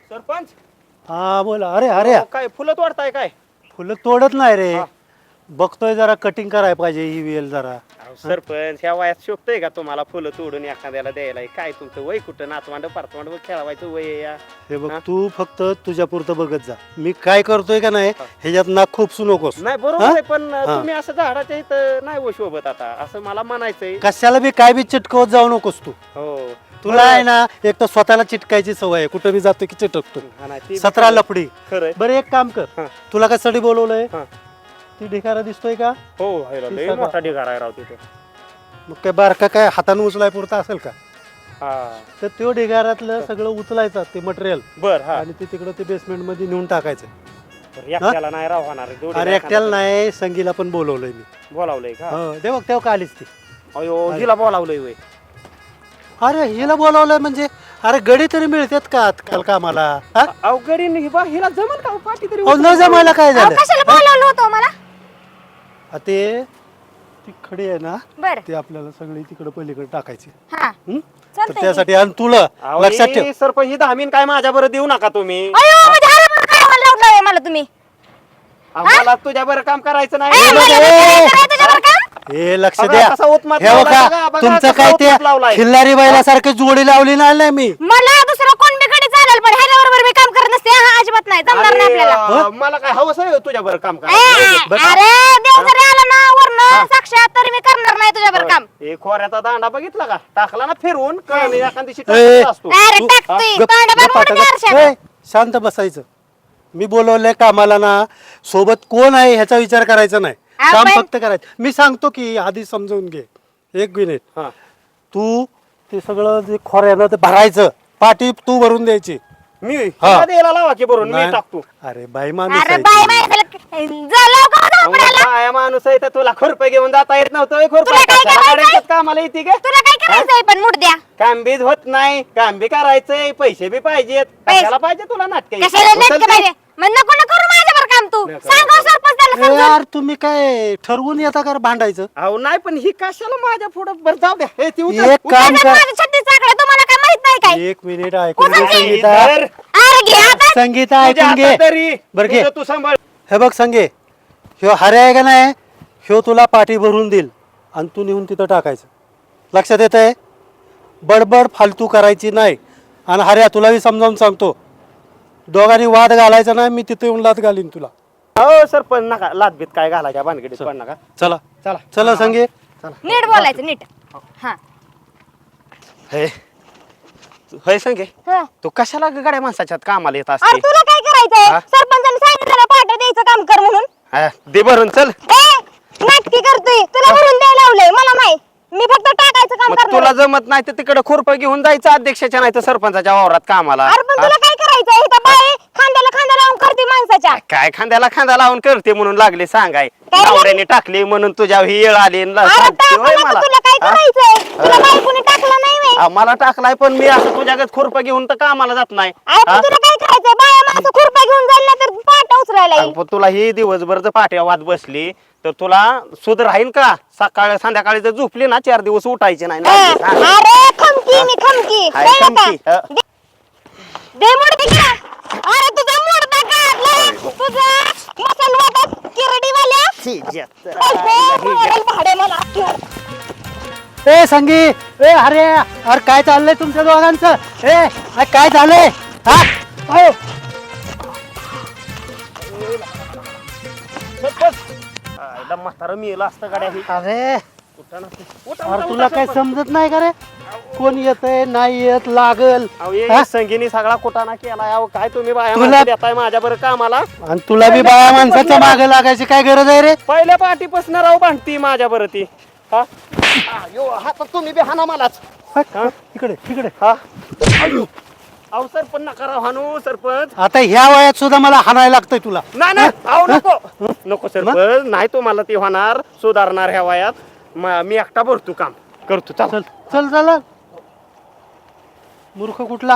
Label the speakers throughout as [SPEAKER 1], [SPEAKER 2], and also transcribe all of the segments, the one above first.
[SPEAKER 1] सरपंच
[SPEAKER 2] हा बोला. अरे अरे
[SPEAKER 1] काय फुलं तोडताय काय?
[SPEAKER 2] फुलं तोडत नाही रे.
[SPEAKER 1] हा.
[SPEAKER 2] बघतोय जरा कटिंग करायला पाहिजे ही वेल जरा.
[SPEAKER 1] सरपंच ह्या वयात शोभतय का तुम्हाला फुलं तोडून एखाद्याला द्यायला? काय तुमचं वय कुठं नातवांड परतवांड खेळवायचं वय आहे या?
[SPEAKER 2] हे बघ
[SPEAKER 1] हा?
[SPEAKER 2] तू फक्त तुझ्या पुरतं बघत जा. मी काय करतोय का नाही ह्याच्यात नाक खूपसू नकोस.
[SPEAKER 1] नाही बरोबर
[SPEAKER 2] हा?
[SPEAKER 1] आहे पण
[SPEAKER 2] हा.
[SPEAKER 1] तुम्ही असं झाडाच्या इथं नाही हो शोभत आता असं मला म्हणायचंय.
[SPEAKER 2] कशाला बी काय बी चिटकवत जाऊ नकोस तू.
[SPEAKER 1] हो
[SPEAKER 2] तुला आहे ना एक तर स्वतःला चिटकायची सवय आहे. कुठं बी जातो की चिटकतो.
[SPEAKER 1] हा नाही, ते बी
[SPEAKER 2] 17
[SPEAKER 1] खरं.
[SPEAKER 2] लफडी.
[SPEAKER 1] खरंय.
[SPEAKER 2] बरं एक काम कर.
[SPEAKER 1] हा.
[SPEAKER 2] तुला कशासाठी बोलवलंय?
[SPEAKER 1] हा.
[SPEAKER 2] ती ढिगारा दिसतोय का?
[SPEAKER 1] हो हायला, लय
[SPEAKER 2] सगळं.
[SPEAKER 1] मोठा ढिगारा आहे राव तिथे.
[SPEAKER 2] मग काय बारका काय हाताने उचलाय पुरता असेल का?
[SPEAKER 1] हा
[SPEAKER 2] तर त्यो ढिगाऱ्यातलं सगळं उचलायचं ते मटेरियल
[SPEAKER 1] बर हा
[SPEAKER 2] आणि ते तिकडं ते बेसमेंट मध्ये नेऊन टाकायचं.
[SPEAKER 1] तर एकट्याला नाही राव होणार जोडीला
[SPEAKER 2] अरे एकट्याला
[SPEAKER 1] एखादा
[SPEAKER 2] नाही संगीला पण बोलवलंय मी.
[SPEAKER 1] बोलावलंय का?
[SPEAKER 2] हो ते बघ तेव्हा का आलीच ती.
[SPEAKER 1] अयो हिला बोलावलंय वय.
[SPEAKER 2] अरे हिला बोलावलंय म्हणजे अरे गडी तरी मिळतात का आजकाल कामाला? हा?
[SPEAKER 1] अवघडी हिला जमल का पाठी तरी?
[SPEAKER 2] अहो, न जमायला काय झालं?
[SPEAKER 3] कशाला बोलावलं होतं मला?
[SPEAKER 2] ते ती खडी आहे ना
[SPEAKER 3] बर
[SPEAKER 2] ते आपल्याला सगळी तिकडे पलीकडे टाकायची.
[SPEAKER 3] हा
[SPEAKER 2] हं? तर
[SPEAKER 3] चालतंय
[SPEAKER 2] त्यासाठी आणि तुला
[SPEAKER 1] अहो,
[SPEAKER 2] लक्षात ठेव.
[SPEAKER 1] ही सरपंच ही धामीन काय माझ्या बरं देऊ नका तुम्ही.
[SPEAKER 3] अयो म्हणजे हरामाला काय लावलंय मला तुम्ही?
[SPEAKER 1] मला तुझ्या बरं काम करायचं
[SPEAKER 3] ए,
[SPEAKER 1] नाही.
[SPEAKER 3] मला काय करायचं त्याच्यावर का?
[SPEAKER 2] हे लक्ष
[SPEAKER 1] बघा,
[SPEAKER 2] द्या.
[SPEAKER 1] कसा उत्मात
[SPEAKER 2] हे
[SPEAKER 1] लावलाय
[SPEAKER 2] बघा
[SPEAKER 1] बघा, बघा,
[SPEAKER 2] तुमचं
[SPEAKER 1] कसा
[SPEAKER 2] काय ते
[SPEAKER 1] उत्मात लावलाय.
[SPEAKER 2] खिल्लारी बैलासारखं जोडी लावली नाही मी.
[SPEAKER 3] मला दुसरं कोण बिकडे चालेल पण ह्याच्या बरोबर मी काम करत नसते. हा अजिबात नाही जमणार नाही
[SPEAKER 1] अरे,
[SPEAKER 3] आपल्याला.
[SPEAKER 1] मला काय हवंच आहे तुझ्या बरं काम
[SPEAKER 3] ए,
[SPEAKER 1] करायचं.
[SPEAKER 3] अरे देव जरी आला ना वरनं साक्षात तरी मी करणार नाही तुझ्यावर काम.
[SPEAKER 1] हे खोऱ्याचा दांडा बघितला का? टाकला ना फिरवून कळणी एखाद दिवशी
[SPEAKER 2] ए,
[SPEAKER 1] टाकत असतो.
[SPEAKER 3] अरे
[SPEAKER 2] तू-
[SPEAKER 3] टाकतोय
[SPEAKER 2] गप-
[SPEAKER 3] तोंड
[SPEAKER 2] गप
[SPEAKER 3] बघून
[SPEAKER 2] आता,
[SPEAKER 3] मी
[SPEAKER 2] गप.
[SPEAKER 3] आरशात.
[SPEAKER 2] ए, शांत बसायचं. मी बोलवलंय कामाला ना सोबत कोण आहे ह्याचा विचार करायचा नाही. काम
[SPEAKER 3] आपण-
[SPEAKER 2] फक्त करायचं. मी सांगतो की आधी समजून घे. एक मिनिट.
[SPEAKER 1] हा.
[SPEAKER 2] तू ते सगळं जे खोऱ्यानं ते भरायचं पाठी तू भरून द्यायची.
[SPEAKER 1] मी
[SPEAKER 2] हा.
[SPEAKER 1] तुला द्यायला लावा की भरून मी
[SPEAKER 2] नाही.
[SPEAKER 1] टाकतो.
[SPEAKER 2] अरे बाई माणूस
[SPEAKER 3] अरे
[SPEAKER 2] आहे
[SPEAKER 3] बाय
[SPEAKER 2] ती.
[SPEAKER 3] बाय झालं का
[SPEAKER 1] अहो, काय माणूस आहे तर तुला खुरपे घेऊन जाता येत नव्हतं
[SPEAKER 3] तुला काय करायचंय?
[SPEAKER 1] कामाला येते का?
[SPEAKER 3] तुला काय करायचंय पण मुडद्या?
[SPEAKER 1] काम बीज होत नाही, काम बी करायचंय, पैसे बी पाहिजेत.
[SPEAKER 3] पैसे-
[SPEAKER 1] कशाला पाहिजे तुला नाटक?
[SPEAKER 3] कशाला नेटके पाहिजे? मग नको ना करू माझ्यावर काम तू.
[SPEAKER 1] नको,
[SPEAKER 3] सांगा
[SPEAKER 1] नको.
[SPEAKER 3] सरपंच त्याला
[SPEAKER 2] ए,
[SPEAKER 3] समजून.
[SPEAKER 2] यार तुम्ही काय ठरवून येता का रे भांडायचं?
[SPEAKER 1] अहो नाही पण ही कशाला माझ्या पुढं बरं जाऊ द्या. हे ती उचल,
[SPEAKER 2] एक
[SPEAKER 1] उचल.
[SPEAKER 2] काम
[SPEAKER 3] त्याच्यात
[SPEAKER 2] कर.
[SPEAKER 3] माझं छत्तीस चाकलं तुम्हाला काय माहित नाही काय?
[SPEAKER 2] एक मिनिट ऐकून घे
[SPEAKER 3] उचल.
[SPEAKER 2] संगीता.
[SPEAKER 1] धर.
[SPEAKER 3] अरे घे आता.
[SPEAKER 2] संगीता
[SPEAKER 1] तुझ्या
[SPEAKER 2] ऐकून घे.
[SPEAKER 1] हातात तरी.
[SPEAKER 2] बरं घे.
[SPEAKER 1] तुझं तू सांभाळ.
[SPEAKER 2] हे बघ संगे ह्यो हरे आहे का नाही ह्यो तुला पाठी भरून देईल आणि तू नेऊन तिथं टाकायचं. लक्षात येत आहे? बडबड फालतू करायची नाही. आणि हऱ्या तुला मी समजावून सांगतो दोघांनी वाद घालायचा नाही. मी तिथे येऊन लाद घालीन तुला.
[SPEAKER 1] हो सर पण नका लादबीत काय घालायच्या भानगडीत पण नका.
[SPEAKER 2] चला
[SPEAKER 1] चला
[SPEAKER 2] चला संगे.
[SPEAKER 3] नीट बोलायचं नीट. हा
[SPEAKER 1] हे होय संगे
[SPEAKER 3] हा.
[SPEAKER 1] तू कशाला गाड्या माणसाच्यात कामाला येत
[SPEAKER 3] अरे
[SPEAKER 1] असते?
[SPEAKER 3] तुला काय करायचंय?
[SPEAKER 1] हा?
[SPEAKER 3] सरपंचाने सांगितलं ना पाठ द्यायचं काम कर म्हणून.
[SPEAKER 1] हा, दे भरून चल.
[SPEAKER 3] ए नाटकी करतोय. तुला भरून द्यायला लावलंय मला नाही. मी फक्त टाकायचं काम
[SPEAKER 1] मग
[SPEAKER 3] करणार.
[SPEAKER 1] तुला जमत नाही तर तिकडे खुरपं घेऊन जायचं अध्यक्षाच्या नाही तर सरपंचाच्या वावरात कामाला.
[SPEAKER 3] अरे पण
[SPEAKER 1] हा?
[SPEAKER 3] तुला काय करायचंय? इथं बाई खांद्याला खांदा लावून करते माणसाच्या.
[SPEAKER 1] काय खांद्याला खांदा लावून करते म्हणून लागले सांगाय.
[SPEAKER 3] काय रे?
[SPEAKER 1] नवऱ्याने टाकली म्हणून तुझ्या ही येळ आली आणि
[SPEAKER 3] अरे
[SPEAKER 1] सांगते
[SPEAKER 3] टाकू
[SPEAKER 1] होय
[SPEAKER 3] नको,
[SPEAKER 1] मला.
[SPEAKER 3] तुला काय
[SPEAKER 1] हा?
[SPEAKER 3] करायचंय? तुला बाई कोणी टाकलं नाही व्हय?
[SPEAKER 1] मला टाकलाय पण मी असं तुझ्याकडे खुरपं घेऊन तर कामाला जात नाही.
[SPEAKER 3] अरे पण
[SPEAKER 1] हा?
[SPEAKER 3] तुला काय करायचंय? बाया माणसं खुरपा घेऊन जाईल ना तर पाठ उचलायला येईल.
[SPEAKER 1] पण तुला ही दिवसभर जर पाठ्या वाद बसली तर तुला सुध राहील का? सकाळ संध्याकाळी जर झोपली ना 4 दिवस उठायचे नाही ना. हा?
[SPEAKER 3] अरे खमकी मी खमकी.
[SPEAKER 1] हाय,
[SPEAKER 3] कळलं का?
[SPEAKER 1] खमकी, हा.
[SPEAKER 3] दे मुडदे की. अरे तुझा मुडदा काढलाय. तुझा मसल वाटत किरडीवाल्या. पैसे भाडे मला.
[SPEAKER 2] ए संगी ए अरे अरे काय चाललंय तुमच्या दोघांचं? ए अरे काय झालंय? हा अहो.
[SPEAKER 1] म्हातारं मेलं असतं गाड्या ही.
[SPEAKER 2] अरे
[SPEAKER 1] उठा ना. उठा,
[SPEAKER 2] अरे
[SPEAKER 1] उठा,
[SPEAKER 2] तुला
[SPEAKER 1] उठा,
[SPEAKER 2] काय
[SPEAKER 1] सरपंच.
[SPEAKER 2] समजत नाही का रे? कोण येतंय नाही येत लागल.
[SPEAKER 1] अहो, हे
[SPEAKER 2] हा?
[SPEAKER 1] संगीनी सगळा कुटाणा केला. अहो, काय तुम्ही बाया
[SPEAKER 2] तुला-
[SPEAKER 1] माणसं देताय माझ्या बरं कामाला?
[SPEAKER 2] आणि तुला बी बाया माणसाच्या मागे लागायची काय गरज आहे रे?
[SPEAKER 1] पहिल्या पाठीपासून राव भांडती माझ्या बरं ती. हा? अयो, हा तर तुम्ही बी हाना मलाच.
[SPEAKER 2] हा? इकडे इकडे.
[SPEAKER 1] हा? अहो सरपंच नका राव हानू सरपंच.
[SPEAKER 2] आता ह्या वयात सुद्धा मला हाणायला लागतंय तुला.
[SPEAKER 1] नाही नाही अहो नको नको सरपंच नाही तुम्हाला ते होणार सुधारणार ह्या वयात. मी एकटा भरतो काम करतो चल.
[SPEAKER 2] चल चल चला. मूर्ख कुठला?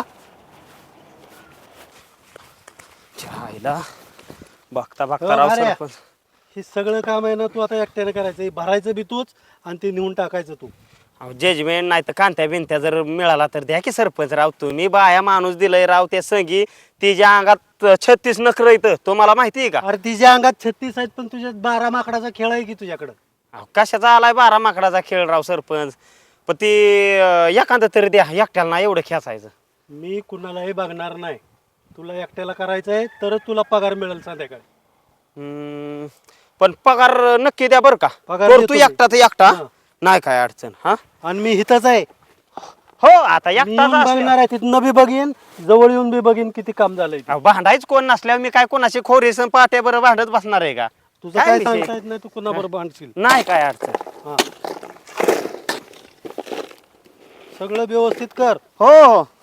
[SPEAKER 1] छायला बघता
[SPEAKER 2] हो,
[SPEAKER 1] बघता राव
[SPEAKER 2] अरे.
[SPEAKER 1] सरपंच.
[SPEAKER 2] हे सगळं काम आहे ना तू आता एकट्याने करायचं. हे भरायचं बी तूच आणि ते नेऊन टाकायचं तू.
[SPEAKER 1] जजमेंट नाही तर कांत्या बिनत्या जर मिळाला तर द्या की सरपंच राव. तुम्ही बाया माणूस दिलंय राव त्या संगी. तिच्या अंगात 36 नखर येतं तुम्हाला माहिती आहे का?
[SPEAKER 2] अरे तिच्या अंगात 36 आहेत पण तुझ्यात 12 माकडाचा खेळ आहे की तुझ्याकडं?
[SPEAKER 1] अहो, कशाचा आलाय 12 माकडाचा खेळ राव सरपंच. पण ती एखादं तरी द्या, एकट्याला नाही एवढं खेचायचं.
[SPEAKER 2] मी कुणालाही बघणार नाही. तुला एकट्याला करायचंय तरच तुला पगार मिळेल संध्याकाळी.
[SPEAKER 1] पण पगार नक्की द्या बरं का.
[SPEAKER 2] पगार
[SPEAKER 1] करतो
[SPEAKER 2] देतो मी.
[SPEAKER 1] एकटा तर एकटा,
[SPEAKER 2] हा.
[SPEAKER 1] नाही काय अडचण. हा
[SPEAKER 2] आणि मी इथंच आहे.
[SPEAKER 1] हो आता
[SPEAKER 2] मी
[SPEAKER 1] एकटाच
[SPEAKER 2] येऊन
[SPEAKER 1] असल्या-
[SPEAKER 2] बघणार आहे, तिथनं बी बघीन, जवळ येऊन बी बघीन किती काम झालंय ते.
[SPEAKER 1] अहो, भांडायच कोण नसल्यावर मी काय कोणाशी खोरीसन पाट्या बरं भांडत बसणार आहे का?
[SPEAKER 2] तुझं काय
[SPEAKER 1] विषय?
[SPEAKER 2] सांगता येत नाही, तू कुणाबरोबर भांडशील.
[SPEAKER 1] नाही काय अडचण.
[SPEAKER 2] हा. सगळं व्यवस्थित कर.
[SPEAKER 1] हो हो